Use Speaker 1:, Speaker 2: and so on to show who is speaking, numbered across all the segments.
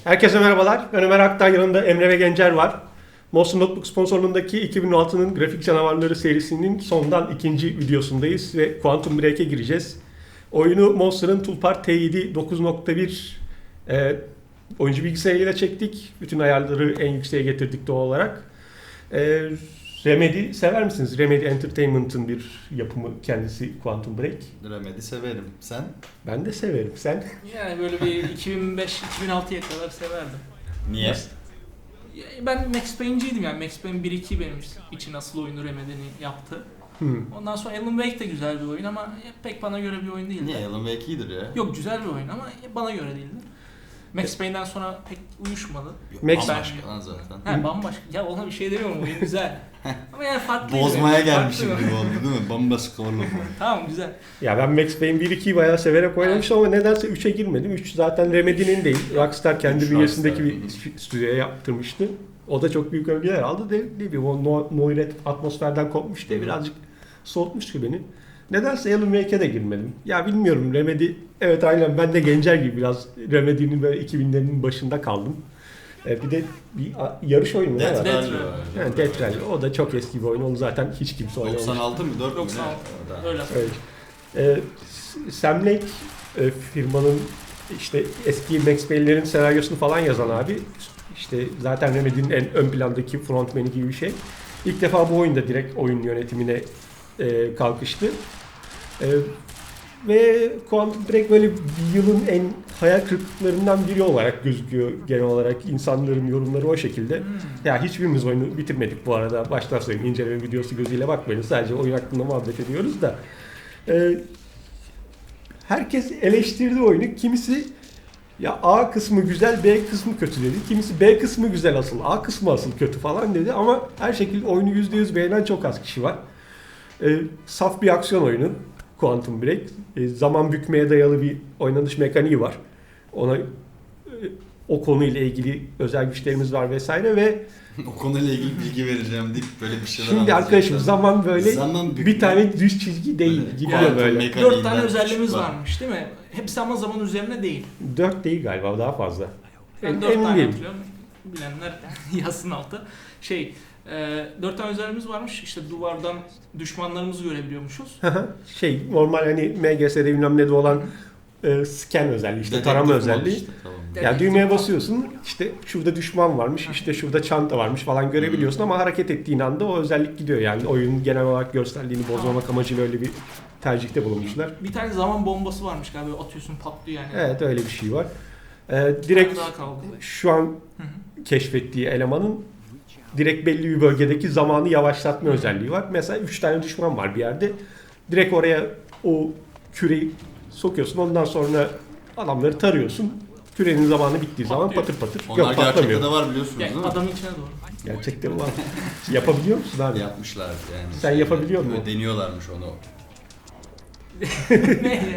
Speaker 1: Herkese merhabalar. Ben Ömer Aktan, yanında Emre ve Gencer var. Monster Notebook sponsorluğundaki 2006'nın Grafik Canavarları serisinin sondan ikinci videosundayız ve Quantum Break'e gireceğiz. Oyunu Monster'ın Toolpar T7 9.1 oyuncu bilgisayarıyla çektik. Bütün ayarları en yükseğe getirdik doğal olarak. Remedy sever misiniz? Remedy Entertainment'ın bir yapımı kendisi Quantum Break.
Speaker 2: Remedy severim. Sen?
Speaker 1: Ben de severim. Sen?
Speaker 3: Yani böyle bir 2005-2006'ya kadar severdim.
Speaker 2: Niye?
Speaker 3: Ya ben Max Payne'ciydim yani. Max Payne 1-2 benim için asıl oyunu Remedy'nin yaptı. Ondan sonra Alan Wake de güzel bir oyun ama pek bana göre bir oyun değildi.
Speaker 2: Niye? Alan Wake iyidir ya.
Speaker 3: Yok, güzel bir oyun ama bana göre değildi. Max Payne'den sonra pek uyuşmadı.
Speaker 2: Bambaşka lan zaten.
Speaker 3: He, bambaşka. Ya ona bir şey demiyorum, oyun güzel. Ama yani farklıydı.
Speaker 2: Bozmaya
Speaker 3: yani.
Speaker 2: gelmişim
Speaker 3: Farklı.
Speaker 2: gibi oldu değil mi? Bambaşka oğlum.
Speaker 3: Tamam, güzel.
Speaker 1: Ya ben Max Payne 1-2'yi bayağı severek oynamıştım ama nedense 3'e girmedim. 3 zaten Remedy'nin değil. Rockstar kendi bünyesindeki bir stüdyoya yaptırmıştı. O da çok büyük övgüler aldı. Ne bileyim, o Noiret atmosferden kopmuş diye birazcık soğutmuştu beni. Nedense Alan Wake'e de girmedim. Ya bilmiyorum, Remedy, evet aynen ben de Gencer gibi biraz Remedy'nin böyle 2000'lerin başında kaldım. Bir de bir yarış oyunu mu?
Speaker 2: Death
Speaker 1: var?
Speaker 2: Rally
Speaker 3: Rally.
Speaker 2: var.
Speaker 1: Yani Death Rally. O da çok eski bir oyun. Onu zaten hiç kimse oynamamış.
Speaker 2: 96 mı? 4 mü?
Speaker 3: 96.
Speaker 2: Ne?
Speaker 3: Öyle.
Speaker 1: Evet. Sam Lake firmanın işte eski Max Payne'lerin senaryosunu falan yazan abi. İşte zaten Remedy'nin en ön plandaki frontman'i gibi bir şey. İlk defa bu oyunda direkt oyun yönetimine kalkıştı. Ve Quantum Break böyle bir yılın en hayal kırıklıklarından biri olarak gözüküyor genel olarak. İnsanların yorumları o şekilde. Ya hiçbirimiz oyunu bitirmedik bu arada. Baştan söyleyeyim, inceleme videosu gözüyle bakmayın. Sadece oyun hakkında muhabbet ediyoruz da. Herkes eleştirdi oyunu. Kimisi ya A kısmı güzel, B kısmı kötü dedi. Kimisi B kısmı güzel asıl, A kısmı asıl kötü falan dedi. Ama her şekilde oyunu %100 beğenen çok az kişi var. Saf bir aksiyon oyunu Quantum Break. Zaman bükmeye dayalı bir oynanış mekaniği var. Ona o konuyla ilgili özel güçlerimiz var vesaire ve
Speaker 2: O konuyla ilgili bilgi vereceğim deyip böyle bir şeyler
Speaker 1: şimdi arkadaşım zaman böyle
Speaker 2: Zaman
Speaker 1: bir tane düz çizgi değil,
Speaker 2: Böyle
Speaker 1: gidiyor
Speaker 2: kuantum
Speaker 1: böyle.
Speaker 2: mekaniğinden
Speaker 3: 4 tane özelliğimiz
Speaker 2: küçük var.
Speaker 3: varmış değil mi? Hepsi ama zaman üzerine değil.
Speaker 1: 4 değil galiba, daha fazla.
Speaker 3: Ben 4
Speaker 1: Emin
Speaker 3: tane
Speaker 1: değilim.
Speaker 3: hatırlıyorum. Bilenler yazsın altı. 4 tane özelliğimiz varmış. İşte duvardan düşmanlarımızı görebiliyormuşuz.
Speaker 1: Normal hani MGS'de bilmem ne de olan scan özelliği, işte
Speaker 2: Dedektif
Speaker 1: tarama
Speaker 2: mod
Speaker 1: özelliği.
Speaker 2: işte, tamam.
Speaker 1: Yani düğmeye basıyorsun, işte şurada düşman varmış, işte şurada çanta varmış falan görebiliyorsun ama hareket ettiğin anda o özellik gidiyor. Yani oyunun genel olarak görselliğini bozmamak amacıyla öyle bir tercihte bulunmuşlar.
Speaker 3: Bir tane zaman bombası varmış galiba, atıyorsun patlıyor yani.
Speaker 1: Evet, öyle bir şey var. Direkt
Speaker 3: Daha kaldı.
Speaker 1: şu an keşfettiği elemanın direkt belli bir bölgedeki zamanı yavaşlatma özelliği var. Mesela 3 tane düşman var bir yerde. Direkt oraya o küreyi sokuyorsun. Ondan sonra adamları tarıyorsun. Kürenin zamanı bittiği zaman
Speaker 3: Patlıyor.
Speaker 1: patır patır.
Speaker 2: Onlar
Speaker 1: Yok,
Speaker 2: gerçekte
Speaker 1: patlamıyor.
Speaker 2: de var biliyorsunuz
Speaker 3: Yani
Speaker 2: değil mi?
Speaker 3: adamın içine doğru.
Speaker 1: Gerçekten var. Yapabiliyor musun abi?
Speaker 2: Yapmışlar yani.
Speaker 1: Sen yapabiliyor musun?
Speaker 2: Deniyorlarmış onu.
Speaker 3: Ne ya?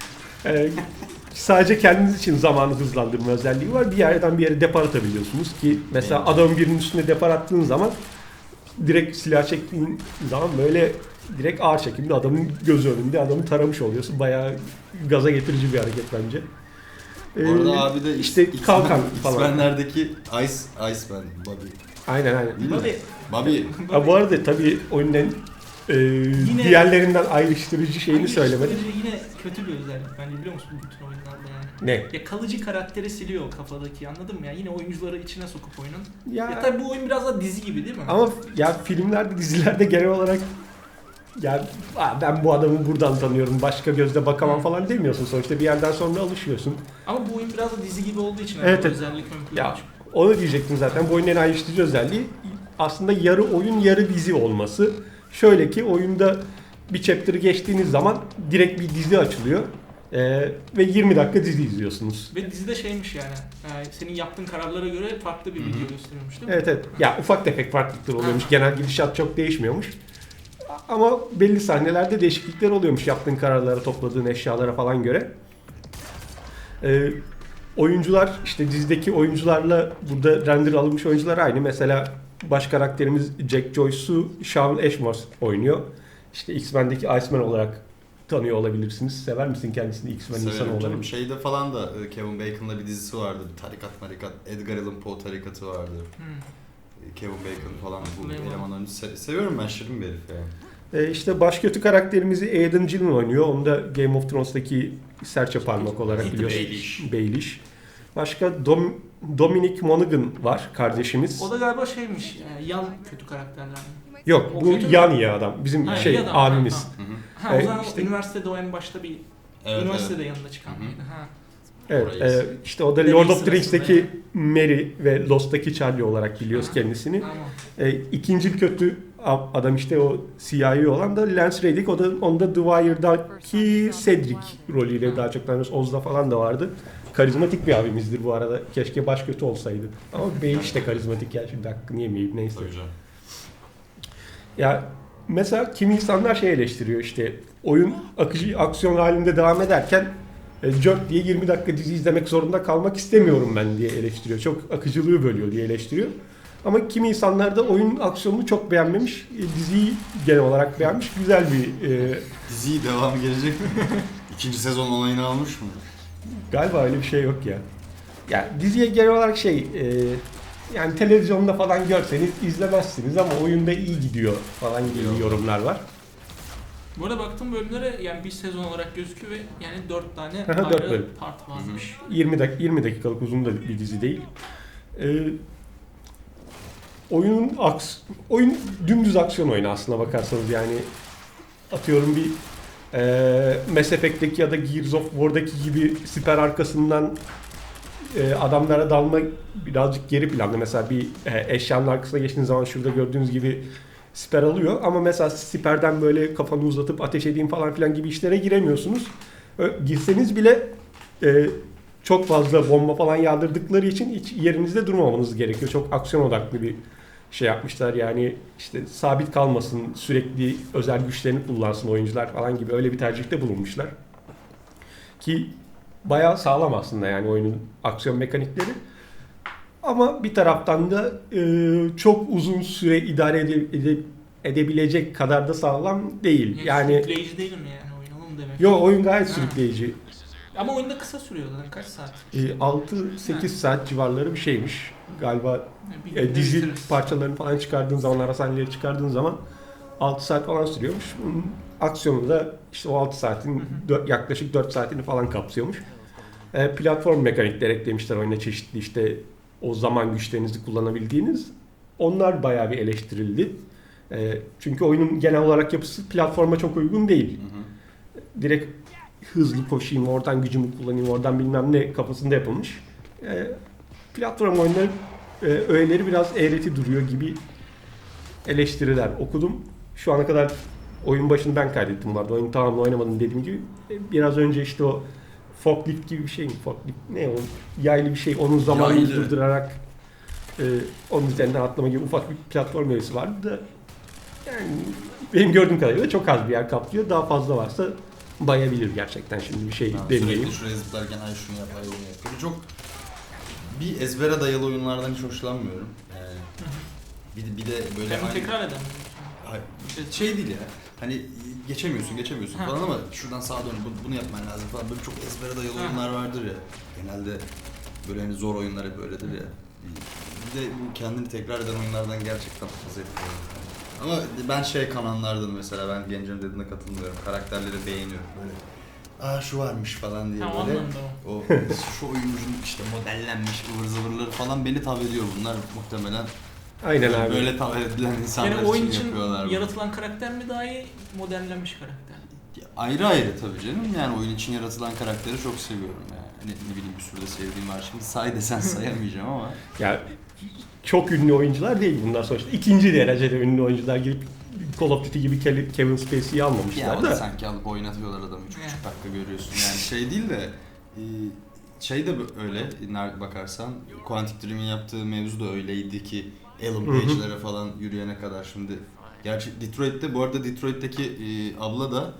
Speaker 1: Sadece kendiniz için zamanı hızlandırma özelliği var. Bir yerden bir yere depar atabiliyorsunuz ki mesela adamın birinin üstüne depar attığın zaman direkt silah çektiğin zaman böyle direkt ağır çekimde adamın gözü önünde adamı taramış oluyorsun. Bayağı gaza getirici bir hareket bence.
Speaker 2: Bu arada abi de
Speaker 1: işte kalkan falan.
Speaker 2: X-Men'lerdeki Iceman, Bobby.
Speaker 1: Aynen.
Speaker 2: Değil mi?
Speaker 3: Bobby.
Speaker 2: Bobby.
Speaker 1: Ha, bu arada tabii oyunun en diğerlerinden ayrıştırıcı şeyini söylemedim.
Speaker 3: Yine kötü bir özellik bence, biliyor musun, bu bütün oyunlarda yani.
Speaker 1: Ne?
Speaker 3: Ya kalıcı karakteri siliyor o kafadaki, anladın mı ya? Yine oyuncuları içine sokup oyunun.
Speaker 1: Ya,
Speaker 3: Ya tabii bu oyun biraz da dizi gibi değil mi?
Speaker 1: ama ya filmlerde, dizilerde genel olarak ya ben bu adamı buradan tanıyorum, başka gözle bakamam falan demiyorsun. Sonuçta bir yerden sonra alışıyorsun.
Speaker 3: Ama bu oyun biraz da dizi gibi olduğu için
Speaker 1: Evet,
Speaker 3: bu
Speaker 1: evet.
Speaker 3: özellik ön plana
Speaker 1: Ya
Speaker 3: çıkıyor.
Speaker 1: onu diyecektim zaten. Bu oyunun en ayrıştırıcı özelliği aslında yarı oyun yarı dizi olması. Şöyle ki oyunda bir chapter'ı geçtiğiniz zaman direkt bir dizi açılıyor. Ve 20 dakika dizi izliyorsunuz.
Speaker 3: Ve dizide şeymiş yani, senin yaptığın kararlara göre farklı bir video gösteriyormuş değil mi?
Speaker 1: Evet. Ya ufak tefek farklılıklar oluyormuş. Genel gidişat çok değişmiyormuş. Ama belli sahnelerde değişiklikler oluyormuş yaptığın kararlara, topladığın eşyalara falan göre. Oyuncular, işte dizideki oyuncularla burada render alınmış oyuncular aynı. Mesela baş karakterimiz Jack Joyce'u Shawn Ashmore oynuyor. İşte X-Men'deki Iceman olarak tanıyor olabilirsiniz. Sever misin kendisini X-Men insanı
Speaker 2: Severim
Speaker 1: olarak?
Speaker 2: canım. Şeyde falan da Kevin Bacon'la bir dizisi vardı. Tarikat marikat. Edgar Allan Poe tarikatı vardı. Kevin Bacon falan bu
Speaker 3: Hatırlayamadım.
Speaker 2: elemanlarını seviyorum ben, şirin bir herif yani.
Speaker 1: İşte baş kötü karakterimizi Aidan Gillen oynuyor. Onu da Game of Thrones'taki serçe parmak olarak
Speaker 2: Ethan
Speaker 1: biliyorsunuz. Baelish. Başka Dominic Monaghan var kardeşimiz.
Speaker 3: O da galiba şeymiş, yan kötü karakterler.
Speaker 1: Yok
Speaker 3: O
Speaker 1: bu
Speaker 3: kötü mü?
Speaker 1: Yanni adam. Bizim
Speaker 3: Ha, iyi adam.
Speaker 1: abimiz.
Speaker 3: Ha,
Speaker 2: Hı hı.
Speaker 3: Ha, o zaman
Speaker 1: işte-
Speaker 3: üniversitede o en başta bir
Speaker 2: Evet,
Speaker 3: üniversitede yanında çıkan
Speaker 2: Hı hı.
Speaker 3: mıydı? Ha.
Speaker 1: Evet,
Speaker 2: Orayı-
Speaker 1: işte o da
Speaker 3: Deney
Speaker 1: Lord of the
Speaker 3: sırasında
Speaker 1: Rings'teki
Speaker 3: yani.
Speaker 1: Mary ve Lost'taki Charlie olarak biliyoruz
Speaker 3: Aha.
Speaker 1: kendisini.
Speaker 3: Tamam.
Speaker 1: İkinci kötü adam işte o CIA olan da Lance Reddick. Onda The Wire'daki Cedric rolüyle daha çok tanıyoruz. Oz'da falan da vardı. Karizmatik bir abimizdir bu arada. Keşke baş kötü olsaydı. Ama Baelish de karizmatik ya, şimdi hakkını yemeyeyim neyse.
Speaker 2: Tabii canım.
Speaker 1: Ya mesela kimi insanlar şey eleştiriyor, işte oyun akıcı aksiyon halinde devam ederken cört diye 20 dakika dizi izlemek zorunda kalmak istemiyorum ben diye eleştiriyor. Çok akıcılığı bölüyor diye eleştiriyor. Ama kimi insanlar da oyun aksiyonunu çok beğenmemiş, diziyi genel olarak beğenmiş. Güzel bir
Speaker 2: Diziyi devamı gelecek mi? İkinci sezon onayını almış mı?
Speaker 1: galiba öyle bir şey yok ya. Yani diziye genel olarak yani televizyonda falan görseniz izlemezsiniz ama oyunda iyi gidiyor falan gibi
Speaker 2: Yok.
Speaker 1: yorumlar var.
Speaker 3: Bu arada baktığım bölümlere yani bir sezon olarak gözüküyor ve yani 4 tane
Speaker 1: Aha, 4
Speaker 3: ayrı
Speaker 1: bölüm.
Speaker 3: part varmış.
Speaker 1: 20 dakikalık uzun da bir dizi değil. Oyun dümdüz aksiyon oyunu aslına bakarsanız, yani atıyorum bir Mass Effect'teki ya da Gears of War'daki gibi siper arkasından adamlara dalma birazcık geri planda. Mesela bir eşyanın arkasına geçtiğiniz zaman şurada gördüğünüz gibi siper alıyor ama mesela siperden böyle kafanı uzatıp ateş edeyim falan filan gibi işlere giremiyorsunuz. Girseniz bile çok fazla bomba falan yağdırdıkları için hiç yerinizde durmamanız gerekiyor. Çok aksiyon odaklı bir şey yapmışlar, yani işte sabit kalmasın, sürekli özel güçlerini kullansın oyuncular falan gibi öyle bir tercihte bulunmuşlar. Ki bayağı sağlam aslında yani oyunun aksiyon mekanikleri. Ama bir taraftan da çok uzun süre idare edebilecek kadar da sağlam değil. Yani
Speaker 3: Sürükleyici değil mi yani oyun onu mu demek?
Speaker 1: yo, oyun gayet
Speaker 3: Ha.
Speaker 1: sürükleyici.
Speaker 3: Ama oyunda kısa sürüyor zaten kaç saat?
Speaker 1: 6-8 saat civarları bir şeymiş. Galiba
Speaker 3: Bir günde
Speaker 1: dizi
Speaker 3: bitiririz.
Speaker 1: parçalarını falan çıkardığın zaman, ara sahneleri çıkardığın zaman 6 saat falan sürüyormuş. Bunun aksiyonu da işte o 6 saatin yaklaşık 4 saatini falan kapsıyormuş. Platform mekanikleri eklemişler oyuna, çeşitli işte o zaman güçlerinizi kullanabildiğiniz. Onlar bayağı bir eleştirildi. Çünkü oyunun genel olarak yapısı platforma çok uygun değil.
Speaker 2: Hı hı.
Speaker 1: Direkt hızlı koşayım, oradan gücümü kullanayım, oradan bilmem ne kafasında yapılmış. Platform oyunları öğeleri biraz eğreti duruyor gibi eleştiriler okudum. Şu ana kadar oyun başını ben kaydettim vardı. Oyunu tamamını oynamadım dediğim gibi. Biraz önce işte o forklift gibi bir şey mi? Forklift ne o? Yaylı bir şey. Onun zamanını
Speaker 2: Yaylı.
Speaker 1: durdurarak onun üzerinden atlama gibi ufak bir platform öğesi vardı da yani benim gördüğüm kadarıyla çok az bir yer kaplıyor. Daha fazla varsa bayabilir gerçekten, şimdi bir şey demeyeyim.
Speaker 2: Sürekli şuraya zıplarken ay şunu yap, ay bunu yap. Böyle çok bir ezbere dayalı oyunlardan hiç hoşlanmıyorum. Bir de böyle
Speaker 3: Hem tekrar eden.
Speaker 2: Hayır, şey değil ya. Hani geçemiyorsun
Speaker 3: Ha.
Speaker 2: falan ama şuradan sağa dön, bunu yapman lazım falan. Böyle çok ezbere dayalı
Speaker 3: Ha.
Speaker 2: oyunlar vardır ya. Genelde böyle hani zor oyunlar hep öyledir ya. Bir de bu kendini tekrar eden oyunlardan gerçekten zevkli. Ama ben kananlardan mesela, ben Gencem dediğine katılmıyorum. Karakterleri beğeniyorum böyle. Aa şu varmış falan diye
Speaker 3: Ha, o
Speaker 2: böyle.
Speaker 3: anlamda o.
Speaker 2: O şu oyuncunun işte modellenmiş ıvır zıvırları falan beni tav ediyor, bunlar muhtemelen.
Speaker 1: Aynen abi.
Speaker 2: Böyle tav edilen insanlar
Speaker 3: Yani oyun
Speaker 2: için
Speaker 3: için
Speaker 2: yapıyorlar bunu.
Speaker 3: yaratılan karakter mi daha iyi, modellenmiş karakter mi?
Speaker 2: Ayrı ayrı tabii canım. Yani oyun için yaratılan karakteri çok seviyorum yani. Hani ne bileyim, bir sürü de sevdiğim var. Şimdi say desen sayamayacağım ama.
Speaker 1: Ya çok ünlü oyuncular değil bunlar sonuçta. İkinci derecede ünlü oyuncular girip Call of Duty gibi Kevin Spacey'i
Speaker 2: Ya
Speaker 1: almamışlar
Speaker 2: o da
Speaker 1: da.
Speaker 2: sanki alıp oynatıyorlar adamı. 3,5
Speaker 3: Evet.
Speaker 2: dakika görüyorsun. Yani şey değil de şey de öyle bakarsan, Quantic Dream'in yaptığı mevzu da öyleydi ki Alan Page'lere falan yürüyene kadar şimdi. Gerçi Detroit'te, bu arada Detroit'teki abla da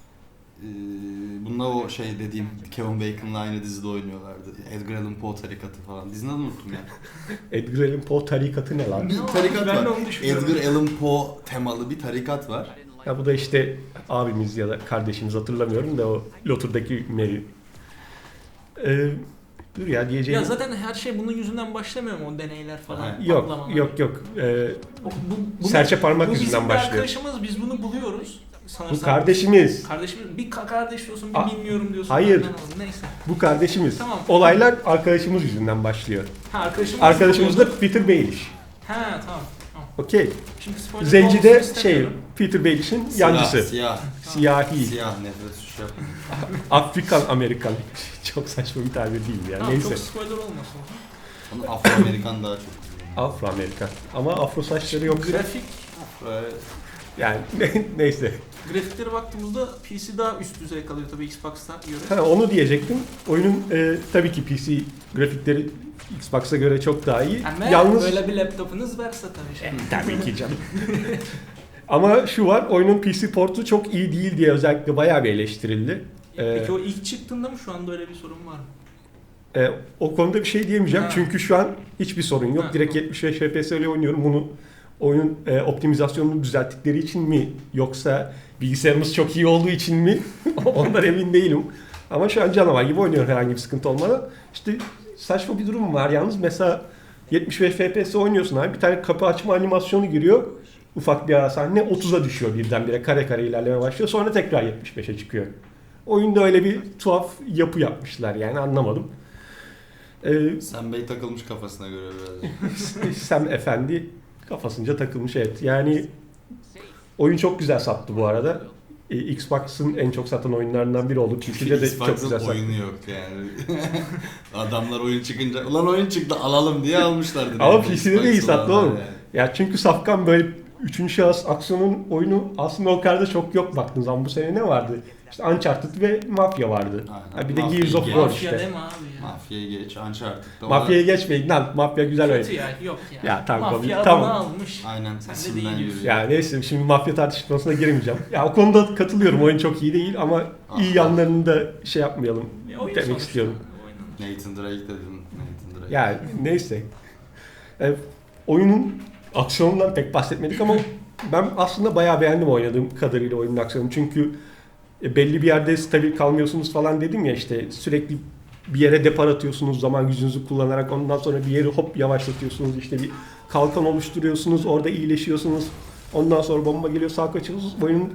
Speaker 2: bununla o dediğim Kevin Bacon'la aynı dizide oynuyorlardı. Edgar Allan Poe tarikatı falan. Dizinin adını unuttum ya.
Speaker 1: Edgar Allan Poe tarikatı ne lan?
Speaker 2: Bir
Speaker 3: Ne
Speaker 2: tarikat
Speaker 3: olmuş? Ben de
Speaker 2: var.
Speaker 3: onu düşünüyorum.
Speaker 2: Edgar Allan Poe temalı bir tarikat var.
Speaker 1: Ya bu da işte abimiz ya da kardeşimiz hatırlamıyorum da o Lotur'daki Mary. Dur ya diyeceğim.
Speaker 3: Ya zaten her şey bunun yüzünden başlamıyor mu o deneyler falan?
Speaker 1: Yok
Speaker 3: patlamalar?
Speaker 1: yok.
Speaker 3: Bu
Speaker 1: Serçe parmak
Speaker 3: bu
Speaker 1: yüzünden
Speaker 3: bizim bir
Speaker 1: başlıyor.
Speaker 3: arkadaşımız, biz bunu buluyoruz. Sanırsam.
Speaker 1: Bu kardeşimiz.
Speaker 3: Kardeşimiz, bir kardeş diyorsun, bir bilmiyorum diyorsun.
Speaker 1: Hayır.
Speaker 3: Ben anlamadım. Neyse.
Speaker 1: Bu kardeşimiz.
Speaker 3: Tamam.
Speaker 1: Olaylar arkadaşımız yüzünden başlıyor.
Speaker 3: Ha
Speaker 1: Arkadaşımız da Peter Baelish.
Speaker 3: Ha tamam.
Speaker 1: Okey.
Speaker 3: Şimdi spoiler
Speaker 1: Zenci
Speaker 3: olmasını
Speaker 1: de
Speaker 3: istemiyorum.
Speaker 1: Peter Baelish'in yancısı.
Speaker 2: Siyah.
Speaker 1: Siyahi.
Speaker 2: Siyah nefret suçu yapma.
Speaker 1: Afrikan Amerikan. Çok saçma bir tabir değil ya.
Speaker 3: Tamam,
Speaker 1: Neyse.
Speaker 3: çok spoiler olmasın.
Speaker 2: Onu Afro-Amerikan daha çok.
Speaker 1: Afro-Amerikan. Ama afro saçları yok.
Speaker 3: Grafik,
Speaker 1: Yani neyse.
Speaker 3: grafiklere baktığımızda PC daha üst düzey kalıyor tabii Xbox'ta göre.
Speaker 1: Ha, onu diyecektim. Oyunun tabii ki PC grafikleri Xbox'a göre çok daha iyi.
Speaker 3: Ama
Speaker 1: Yalnız
Speaker 3: böyle bir laptopunuz varsa tabii.
Speaker 1: tabii ki canım. Ama şu var, oyunun PC portu çok iyi değil diye özellikle bayağı bir eleştirildi.
Speaker 3: Peki o ilk çıktığında mı şu anda öyle bir sorun var mı?
Speaker 1: O konuda bir şey diyemeyeceğim
Speaker 3: Ha.
Speaker 1: çünkü şu an hiçbir sorun yok.
Speaker 3: Ha,
Speaker 1: Direkt
Speaker 3: tamam.
Speaker 1: 75 FPS ile oynuyorum. Bunu oyunun optimizasyonunu düzelttikleri için mi yoksa bilgisayarımız çok iyi olduğu için mi? Ondan emin değilim. Ama şu an canavar gibi oynuyorum herhangi bir sıkıntı olmadan. İşte saçma bir durum var yalnız. Mesela 75 FPS oynuyorsun abi. Bir tane kapı açma animasyonu giriyor. Ufak bir ara sahne 30'a düşüyor birdenbire. Kare kare ilerleme başlıyor. Sonra tekrar 75'e çıkıyor. Oyunda öyle bir tuhaf yapı yapmışlar yani anlamadım.
Speaker 2: Sen Bey takılmış kafasına göre biraz.
Speaker 1: Sam Efendi kafasınca takılmış evet. Yani oyun çok güzel sattı bu arada. Xbox'ın en çok satan oyunlarından biri oldu. PC'de de çok güzel
Speaker 2: Xbox'ın
Speaker 1: sattı.
Speaker 2: oyunu yok yani. Adamlar oyun çıkınca ulan oyun çıktı alalım diye almışlardı.
Speaker 1: Ama
Speaker 2: Yani
Speaker 1: PC'de de iyi
Speaker 2: Xbox
Speaker 1: sattı
Speaker 2: olanlar
Speaker 1: oğlum.
Speaker 2: yani.
Speaker 1: Ya çünkü safkan böyle 3. şahıs aksiyonun oyunu aslında o kadar da çok yok baktığın zaman. Bu sene ne vardı? İşte Uncharted ve Mafya vardı.
Speaker 2: Aynen.
Speaker 1: Ha bir de
Speaker 2: Mafya
Speaker 1: Gears of
Speaker 2: geç.
Speaker 1: War
Speaker 3: Mafya
Speaker 1: işte.
Speaker 3: deme abi ya.
Speaker 2: Mafya'yı geç Uncharted'da.
Speaker 1: Mafya'ya geçmeyin lan. Mafya güzel oyun.
Speaker 3: Kötü ya, yok ya.
Speaker 1: Ya tamam,
Speaker 3: Mafya
Speaker 1: tamam.
Speaker 3: adını almış.
Speaker 2: Aynen
Speaker 3: Sen de
Speaker 2: isimden
Speaker 3: değil
Speaker 2: yürüyor.
Speaker 3: diyorsun.
Speaker 1: Ya neyse şimdi mafya tartışmasına girmeyeceğim. Ya o konuda katılıyorum. Oyun çok iyi değil ama iyi
Speaker 2: Ah.
Speaker 1: yanlarını da şey yapmayalım
Speaker 3: Oyun
Speaker 1: demek
Speaker 3: sonuçta,
Speaker 1: istiyorum.
Speaker 3: oyunun.
Speaker 2: Nathan Drake dedim. Nathan Drake.
Speaker 1: Yani neyse. Oyunun aksiyonundan pek bahsetmedik ama ben aslında bayağı beğendim oynadığım kadarıyla oyunun aksiyonunu. Çünkü belli bir yerde stabil kalmıyorsunuz falan dedim ya işte sürekli bir yere depar atıyorsunuz zaman gücünüzü kullanarak ondan sonra bir yeri hop yavaşlatıyorsunuz işte bir kalkan oluşturuyorsunuz orada iyileşiyorsunuz ondan sonra bomba geliyor sağ kaçıyorsunuz oyunun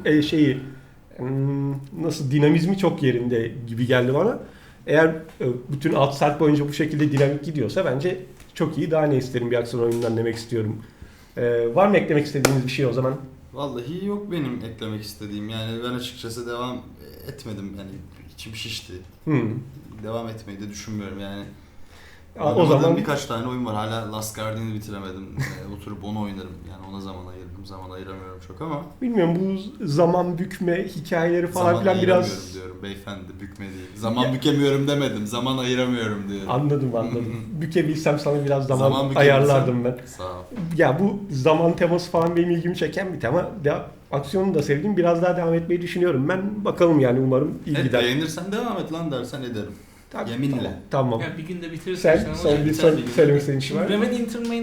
Speaker 1: nasıl dinamizmi çok yerinde gibi geldi bana. Eğer bütün 6 saat boyunca bu şekilde dinamik gidiyorsa bence çok iyi daha ne isterim bir aksiyon oyunundan demek istiyorum. Var mı eklemek istediğiniz bir şey o zaman?
Speaker 2: Vallahi yok benim eklemek istediğim yani ben açıkçası devam etmedim yani içim şişti. Devam etmeyi de düşünmüyorum yani.
Speaker 1: O zaman
Speaker 2: birkaç tane oyun var hala Last Guardian'ı bitiremedim. Oturup onu oynarım yani ona zaman ayırdım zaman ayıramıyorum çok ama.
Speaker 1: bilmiyorum bu zaman bükme hikayeleri falan
Speaker 2: Zaman
Speaker 1: filan
Speaker 2: ayıramıyorum
Speaker 1: biraz
Speaker 2: diyorum beyefendi bükme değil. Zaman bükemiyorum demedim zaman ayıramıyorum diyorum.
Speaker 1: anladım. Bükebilsem sana biraz zaman
Speaker 2: bükebilsem-
Speaker 1: ayarlardım ben.
Speaker 2: Sağ ol.
Speaker 1: Ya bu zaman teması falan benim ilgimi çeken bir tema. Aksiyonu da sevdim. Biraz daha devam etmeyi düşünüyorum. Ben bakalım yani umarım iyi gider.
Speaker 2: Beğenirsen devam et lan dersen ederim.
Speaker 1: Tabii,
Speaker 2: Yeminle.
Speaker 1: Tamam.
Speaker 3: Ya bir günde bitiririz.
Speaker 1: Sen son bir söylemek istediğin şey var.
Speaker 3: Remedy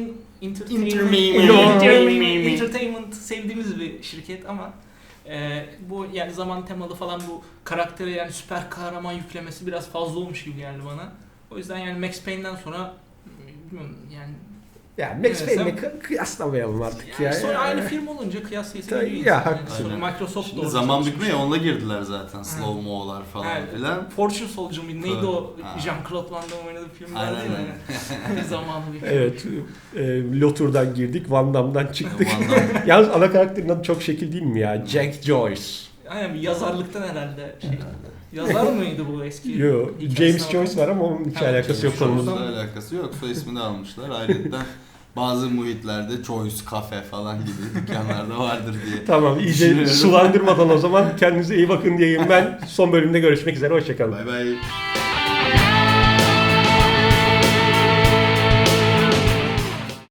Speaker 3: Entertainment sevdiğimiz bir şirket ama bu yani zaman temalı falan bu karaktere yani süper kahraman yüklemesi biraz fazla olmuş gibi geldi bana. O yüzden yani Max Payne'den sonra bilmiyorum yani
Speaker 1: Ya Max
Speaker 3: Evet,
Speaker 1: Payne'le kıyaslamayalım artık ya.
Speaker 3: sonra aynı firma olunca kıyaslayısı
Speaker 1: Tabii,
Speaker 3: geliyor
Speaker 1: ya,
Speaker 3: insan.
Speaker 1: haklısın.
Speaker 3: Sonra Microsoft da
Speaker 2: Şimdi
Speaker 3: orada
Speaker 2: zaman
Speaker 3: çalışmış.
Speaker 2: bükmeye onunla girdiler zaten. Slow mo'lar falan
Speaker 3: Evet.
Speaker 2: filan.
Speaker 3: Fortune Soldier mıydı? Neydi o?
Speaker 2: Ha.
Speaker 3: Jean-Claude Van Damme oynadığı film
Speaker 2: Aynen
Speaker 3: vardı ya. Zamanı bir
Speaker 1: Evet. Lotur'dan girdik. Van Damme'dan çıktık.
Speaker 2: Van
Speaker 1: Yalnız ana karakterin adı çok şekil değil mi ya? Jack Joyce.
Speaker 3: Aynen bir yazarlıktan herhalde şey. Yazar mıydı bu eski?
Speaker 1: Yo,
Speaker 3: hikayesine
Speaker 1: James
Speaker 3: bakalım.
Speaker 1: Joyce var ama onun hiç
Speaker 3: Ha,
Speaker 1: alakası yok
Speaker 2: James
Speaker 1: konumuzda.
Speaker 2: Joyce'la alakası yok. Soy ismini almışlar. Ayrıca bazı muhitlerde Choice Cafe falan gibi dükkanlarda vardır diye.
Speaker 1: Tamam iyice
Speaker 2: Düşünüyorum.
Speaker 1: sulandırmadan o zaman kendinize iyi bakın diyeyim ben. Son bölümde görüşmek üzere. Hoşçakalın.
Speaker 2: Bay bay.